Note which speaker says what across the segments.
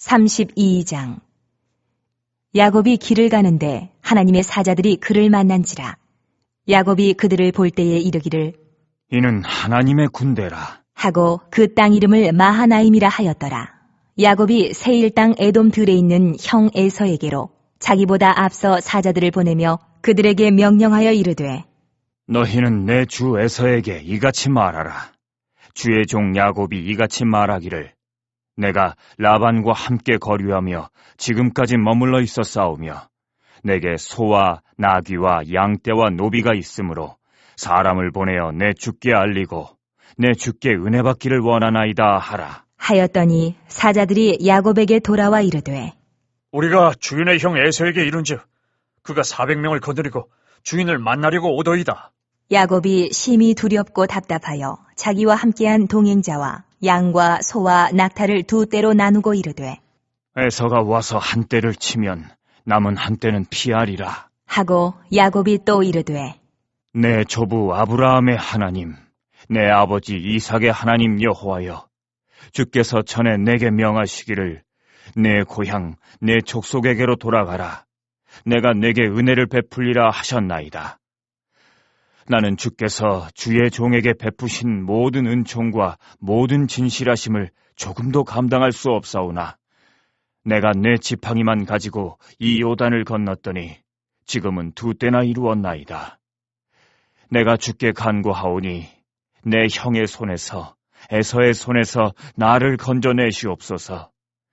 Speaker 1: 32장. 야곱이 길을 가는데 하나님의 사자들이 그를 만난지라. 야곱이 그들을 볼 때에 이르기를
Speaker 2: 이는 하나님의 군대라
Speaker 1: 하고 그 땅 이름을 마하나임이라 하였더라. 야곱이 세일 땅 에돔 들에 있는 형 에서에게로 자기보다 앞서 사자들을 보내며 그들에게 명령하여 이르되
Speaker 2: 너희는 내 주 에서에게 이같이 말하라. 주의 종 야곱이 이같이 말하기를 내가 라반과 함께 거류하며 지금까지 머물러 있었사오며 내게 소와 나귀와 양떼와 노비가 있으므로 사람을 보내어 내 주께 알리고 내 주께 은혜 받기를 원하나이다 하라.
Speaker 1: 하였더니 사자들이 야곱에게 돌아와 이르되
Speaker 3: 우리가 주인의 형 에서에게 이른즉 그가 400명을 거느리고 주인을 만나려고 오더이다.
Speaker 1: 야곱이 심히 두렵고 답답하여 자기와 함께한 동행자와 양과 소와 낙타를 두 떼로 나누고 이르되
Speaker 2: 에서가 와서 한 떼를 치면 남은 한 떼는 피하리라
Speaker 1: 하고 야곱이 또 이르되
Speaker 2: 내 조부 아브라함의 하나님 내 아버지 이삭의 하나님 여호와여 주께서 전에 내게 명하시기를 내 고향 내 족속에게로 돌아가라 내가 내게 은혜를 베풀리라 하셨나이다. 나는 주께서 주의 종에게 베푸신 모든 은총과 모든 진실하심을 조금도 감당할 수 없사오나 내가 내 지팡이만 가지고 이 요단을 건넜더니 지금은 두 때나 이루었나이다. 내가 주께 간구하오니 내 형의 손에서 에서의 손에서 나를 건져내시옵소서.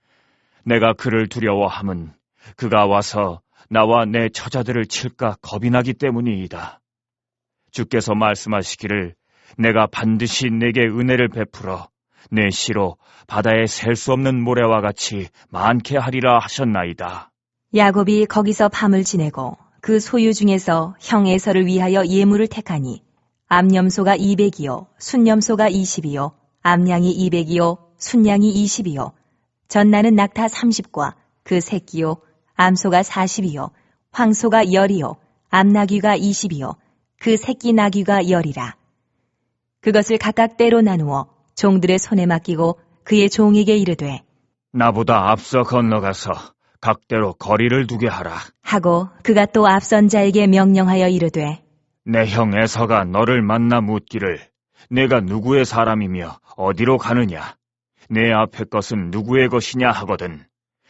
Speaker 2: 내가 그를 두려워함은 그가 와서 나와 내 처자들을 칠까 겁이 나기 때문이이다. 주께서 말씀하시기를 내가 반드시 내게 은혜를 베풀어 내 시로 바다에 셀 수 없는 모래와 같이 많게 하리라 하셨나이다.
Speaker 1: 야곱이 거기서 밤을 지내고 그 소유 중에서 형 에서를 위하여 예물을 택하니 암염소가 200이요 순염소가 20이요 암양이 200이요 순양이 20이요 전나는 낙타 30과 그 새끼요 암소가 40이요 황소가 10이요 암나귀가 20이요 그 새끼 나귀가 10이라. 그것을 각각 떼로 나누어 종들의 손에 맡기고 그의 종에게 이르되
Speaker 2: 나보다 앞서 건너가서 각대로 거리를 두게 하라.
Speaker 1: 하고 그가 또 앞선 자에게 명령하여 이르되
Speaker 2: 내 형 에서가 너를 만나 묻기를 내가 누구의 사람이며 어디로 가느냐 내 앞에 것은 누구의 것이냐 하거든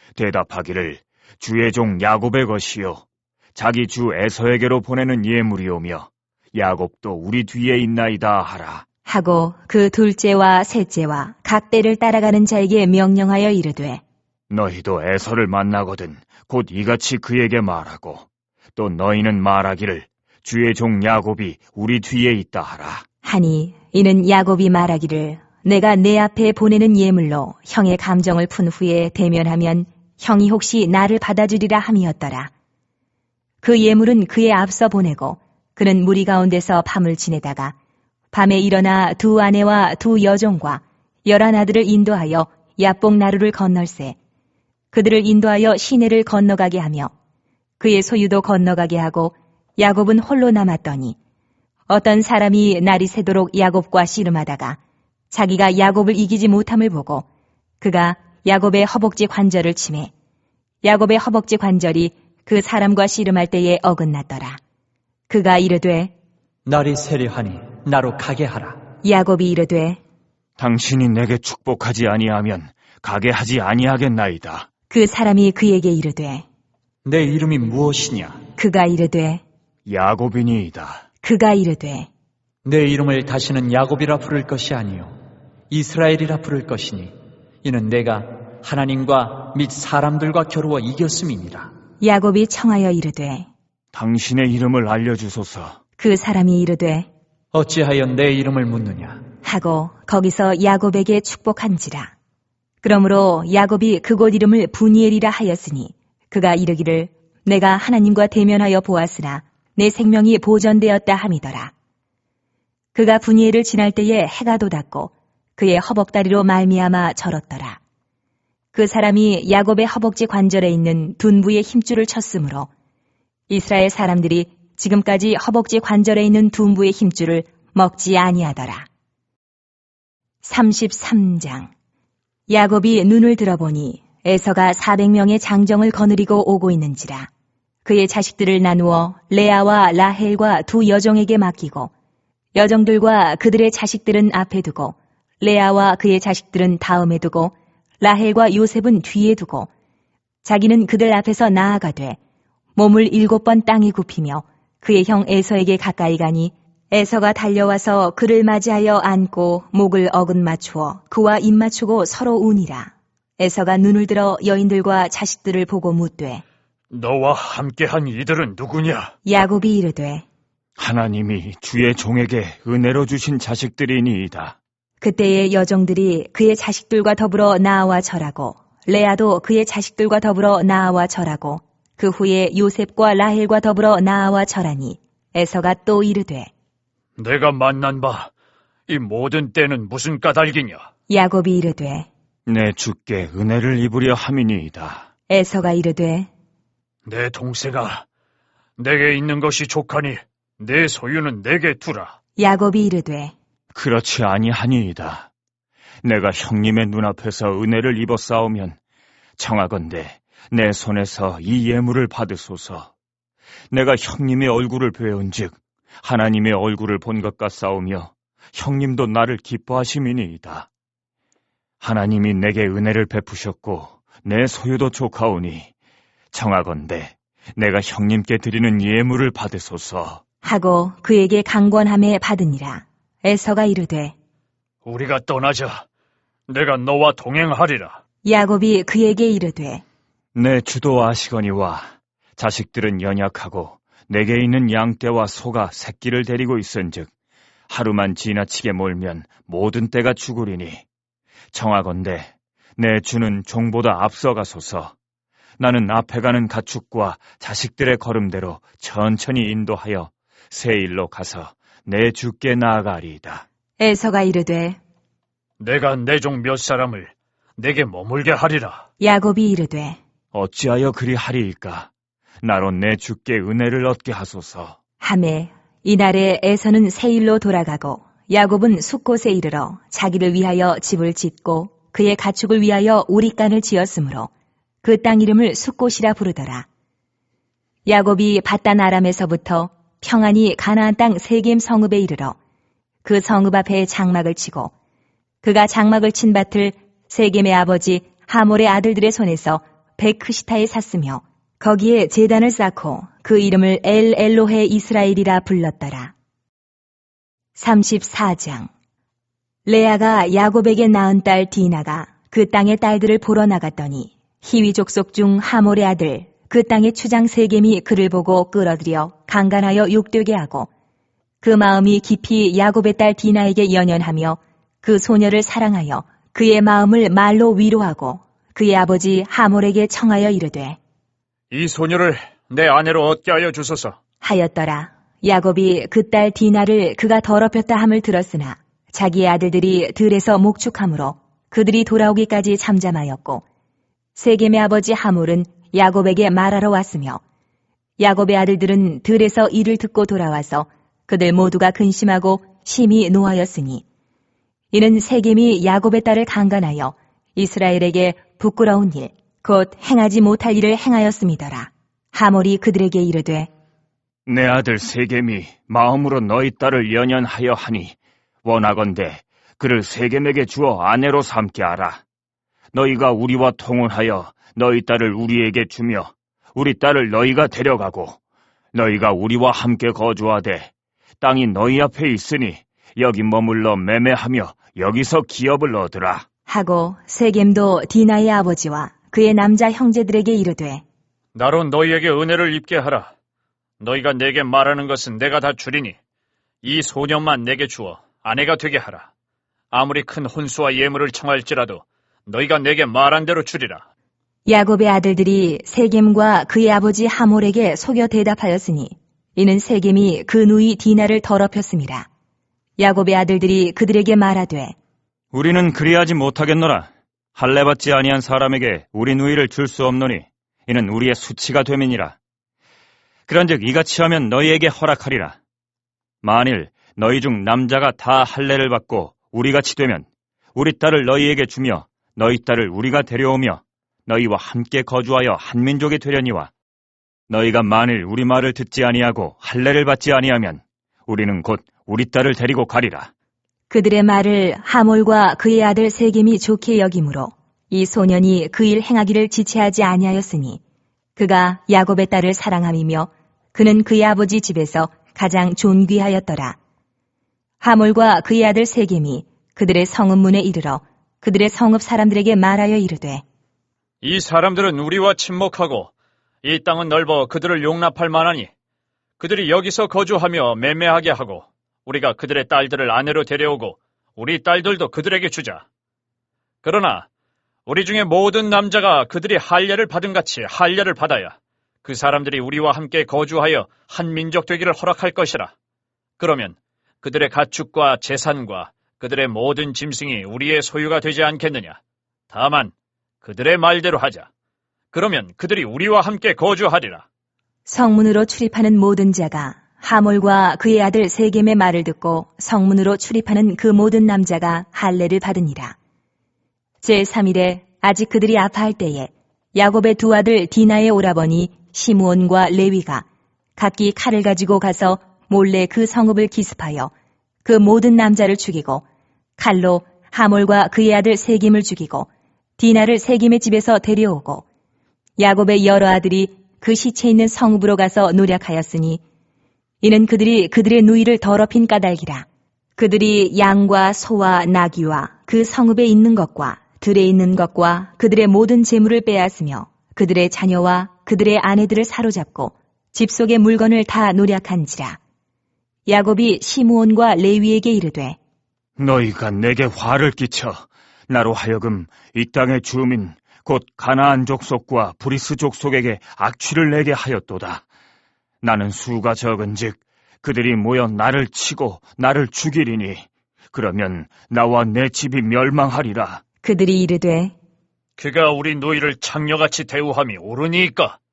Speaker 2: 대답하기를 주의 종 야곱의 것이요 자기 주 에서에게로 보내는 예물이오며 야곱도 우리 뒤에 있나이다 하라.
Speaker 1: 하고 그 둘째와 셋째와 각 떼를 따라가는 자에게 명령하여 이르되
Speaker 2: 너희도 에서를 만나거든 곧 이같이 그에게 말하고 또 너희는 말하기를 주의 종 야곱이 우리 뒤에 있다 하라.
Speaker 1: 하니 이는 야곱이 말하기를 내가 내 앞에 보내는 예물로 형의 감정을 푼 후에 대면하면 형이 혹시 나를 받아주리라 함이었더라. 그 예물은 그의 앞서 보내고 그는 무리 가운데서 밤을 지내다가 밤에 일어나 두 아내와 두 여종과 11아들을 인도하여 야복 나루를 건널세 그들을 인도하여 시내를 건너가게 하며 그의 소유도 건너가게 하고 야곱은 홀로 남았더니 어떤 사람이 날이 새도록 야곱과 씨름하다가 자기가 야곱을 이기지 못함을 보고 그가 야곱의 허벅지 관절을 치매 야곱의 허벅지 관절이 그 사람과 씨름할 때에 어긋났더라. 그가 이르되
Speaker 4: 날이 세려하니 나로 가게 하라.
Speaker 1: 야곱이 이르되
Speaker 2: 당신이 내게 축복하지 아니하면 가게 하지 아니하겠나이다.
Speaker 1: 그 사람이 그에게 이르되
Speaker 4: 내 이름이 무엇이냐?
Speaker 1: 그가 이르되
Speaker 2: 야곱이니이다.
Speaker 1: 그가 이르되
Speaker 4: 내 이름을 다시는 야곱이라 부를 것이 아니요 이스라엘이라 부를 것이니 이는 내가 하나님과 및 사람들과 겨루어 이겼음이니라.
Speaker 1: 야곱이 청하여 이르되
Speaker 2: 당신의 이름을 알려주소서.
Speaker 1: 그 사람이 이르되
Speaker 4: 어찌하여 내 이름을 묻느냐?
Speaker 1: 하고 거기서 야곱에게 축복한지라. 그러므로 야곱이 그곳 이름을 부니엘이라 하였으니 그가 이르기를 내가 하나님과 대면하여 보았으나 내 생명이 보전되었다 함이더라. 그가 부니엘을 지날 때에 해가 돋았고 그의 허벅다리로 말미암아 절었더라. 그 사람이 야곱의 허벅지 관절에 있는 둔부의 힘줄을 쳤으므로 이스라엘 사람들이 지금까지 허벅지 관절에 있는 둔부의 힘줄을 먹지 아니하더라. 33장. 야곱이 눈을 들어보니 에서가 400명의 장정을 거느리고 오고 있는지라. 그의 자식들을 나누어 레아와 라헬과 두 여종에게 맡기고 여종들과 그들의 자식들은 앞에 두고 레아와 그의 자식들은 다음에 두고 라헬과 요셉은 뒤에 두고 자기는 그들 앞에서 나아가되 몸을 7번 땅에 굽히며 그의 형 에서에게 가까이 가니 에서가 달려와서 그를 맞이하여 안고 목을 어긋 맞추어 그와 입 맞추고 서로 우니라. 에서가 눈을 들어 여인들과 자식들을 보고 묻되
Speaker 3: 너와 함께한 이들은 누구냐?
Speaker 1: 야곱이 이르되
Speaker 2: 하나님이 주의 종에게 은혜로 주신 자식들이니이다.
Speaker 1: 그때의 여종들이 그의 자식들과 더불어 나아와 절하고 레아도 그의 자식들과 더불어 나아와 절하고 그 후에 요셉과 라헬과 더불어 나아와 절하니 에서가 또 이르되
Speaker 3: 내가 만난 바 이 모든 때는 무슨 까닭이냐?
Speaker 1: 야곱이 이르되
Speaker 2: 내 주께 은혜를 입으려 함이니이다.
Speaker 1: 에서가 이르되
Speaker 3: 내 동생아, 내게 있는 것이 족하니 내 소유는 내게 두라.
Speaker 1: 야곱이 이르되
Speaker 2: 그렇지 아니하니이다. 내가 형님의 눈앞에서 은혜를 입어 싸우면 청하건대 내 손에서 이 예물을 받으소서. 내가 형님의 얼굴을 배운즉 하나님의 얼굴을 본 것과 싸우며 형님도 나를 기뻐하심이니이다. 하나님이 내게 은혜를 베푸셨고 내 소유도 족하오니 청하건대 내가 형님께 드리는 예물을 받으소서.
Speaker 1: 하고 그에게 강권함에 받으니라. 에서가 이르되
Speaker 3: 우리가 떠나자. 내가 너와 동행하리라.
Speaker 1: 야곱이 그에게 이르되
Speaker 2: 내 주도 아시거니와 자식들은 연약하고 내게 있는 양떼와 소가 새끼를 데리고 있은즉 하루만 지나치게 몰면 모든 떼가 죽으리니 청하건대 내 주는 종보다 앞서가소서. 나는 앞에 가는 가축과 자식들의 걸음대로 천천히 인도하여 세일로 가서 내 주께 나아가리이다.
Speaker 1: 에서가 이르되
Speaker 3: 내가 내 종 몇 사람을 내게 머물게 하리라.
Speaker 1: 야곱이 이르되
Speaker 2: 어찌하여 그리 하리이까? 나로 내 주께 은혜를 얻게 하소서.
Speaker 1: 하매 이날에 에서는 세일로 돌아가고 야곱은 숫곳에 이르러 자기를 위하여 집을 짓고 그의 가축을 위하여 우릿간을 지었으므로 그 땅 이름을 숫곳이라 부르더라. 야곱이 밧단 아람에서부터 평안히 가나안 땅 세겜 성읍에 이르러 그 성읍 앞에 장막을 치고 그가 장막을 친 밭을 세겜의 아버지 하몰의 아들들의 손에서 베크시타에 샀으며 거기에 제단을 쌓고 그 이름을 엘 엘로헤 이스라엘이라 불렀더라. 34장. 레아가 야곱에게 낳은 딸 디나가 그 땅의 딸들을 보러 나갔더니 히위 족속 중 하몰의 아들 그 땅의 추장 세겜이 그를 보고 끌어들여 강간하여 욕되게 하고 그 마음이 깊이 야곱의 딸 디나에게 연연하며 그 소녀를 사랑하여 그의 마음을 말로 위로하고 그의 아버지 하몰에게 청하여 이르되
Speaker 3: 이 소녀를 내 아내로 얻게 하여 주소서.
Speaker 1: 하였더라. 야곱이 그 딸 디나를 그가 더럽혔다 함을 들었으나 자기의 아들들이 들에서 목축함으로 그들이 돌아오기까지 잠잠하였고 세겜의 아버지 하몰은 야곱에게 말하러 왔으며 야곱의 아들들은 들에서 이를 듣고 돌아와서 그들 모두가 근심하고 심히 노하였으니 이는 세겜이 야곱의 딸을 강간하여 이스라엘에게 부끄러운 일 곧 행하지 못할 일을 행하였음이더라. 하몰이 그들에게 이르되
Speaker 2: 내 아들 세겜이 마음으로 너희 딸을 연연하여 하니 원하건대 그를 세겜에게 주어 아내로 삼게 하라. 너희가 우리와 통혼하여 너희 딸을 우리에게 주며 우리 딸을 너희가 데려가고 너희가 우리와 함께 거주하되 땅이 너희 앞에 있으니 여기 머물러 매매하며 여기서 기업을 얻으라.
Speaker 1: 하고 세겜도 디나의 아버지와 그의 남자 형제들에게 이르되
Speaker 3: 나로 너희에게 은혜를 입게 하라. 너희가 내게 말하는 것은 내가 다 주리니 이 소년만 내게 주어 아내가 되게 하라. 아무리 큰 혼수와 예물을 청할지라도 너희가 내게 말한 대로 주리라.
Speaker 1: 야곱의 아들들이 세겜과 그의 아버지 하몰에게 속여 대답하였으니 이는 세겜이 그 누이 디나를 더럽혔음이라. 야곱의 아들들이 그들에게 말하되
Speaker 2: 우리는 그리하지 못하겠노라. 할례받지 아니한 사람에게 우리 누이를 줄 수 없노니 이는 우리의 수치가 됨이니라. 그런즉 이같이 하면 너희에게 허락하리라. 만일 너희 중 남자가 다 할례를 받고 우리같이 되면 우리 딸을 너희에게 주며 너희 딸을 우리가 데려오며 너희와 함께 거주하여 한 민족이 되려니와 너희가 만일 우리 말을 듣지 아니하고 할례를 받지 아니하면 우리는 곧 우리 딸을 데리고 가리라.
Speaker 1: 그들의 말을 하몰과 그의 아들 세겜이 좋게 여기므로 이 소년이 그 일 행하기를 지체하지 아니하였으니 그가 야곱의 딸을 사랑함이며 그는 그의 아버지 집에서 가장 존귀하였더라. 하몰과 그의 아들 세겜이 그들의 성읍문에 이르러 그들의 성읍 사람들에게 말하여 이르되
Speaker 3: 이 사람들은 우리와 친목하고 이 땅은 넓어 그들을 용납할 만하니 그들이 여기서 거주하며 매매하게 하고 우리가 그들의 딸들을 아내로 데려오고 우리 딸들도 그들에게 주자. 그러나 우리 중에 모든 남자가 그들이 할례를 받은 같이 할례를 받아야 그 사람들이 우리와 함께 거주하여 한 민족 되기를 허락할 것이라. 그러면 그들의 가축과 재산과 그들의 모든 짐승이 우리의 소유가 되지 않겠느냐. 다만 그들의 말대로 하자. 그러면 그들이 우리와 함께 거주하리라.
Speaker 1: 성문으로 출입하는 모든 자가 하몰과 그의 아들 세겜의 말을 듣고 성문으로 출입하는 그 모든 남자가 할례를 받으니라. 제3일에 아직 그들이 아파할 때에 야곱의 두 아들 디나의 오라버니 시므온과 레위가 각기 칼을 가지고 가서 몰래 그 성읍을 기습하여 그 모든 남자를 죽이고 칼로 하몰과 그의 아들 세겜을 죽이고 디나를 세겜의 집에서 데려오고 야곱의 여러 아들이 그 시체 있는 성읍으로 가서 노략하였으니 이는 그들이 그들의 누이를 더럽힌 까닭이라. 그들이 양과 소와 나귀와 그 성읍에 있는 것과 들에 있는 것과 그들의 모든 재물을 빼앗으며 그들의 자녀와 그들의 아내들을 사로잡고 집 속의 물건을 다 노략한지라. 야곱이 시므온과 레위에게 이르되
Speaker 2: 너희가 내게 화를 끼쳐 나로 하여금 이 땅의 주민 곧 가나안 족속과 브리스 족속에게 악취를 내게 하였도다. 나는 수가 적은즉 그들이 모여 나를 치고 나를 죽이리니 그러면 나와 내 집이 멸망하리라.
Speaker 1: 그들이 이르되
Speaker 3: 그가 우리 노이를 창녀같이 대우함이 옳으니까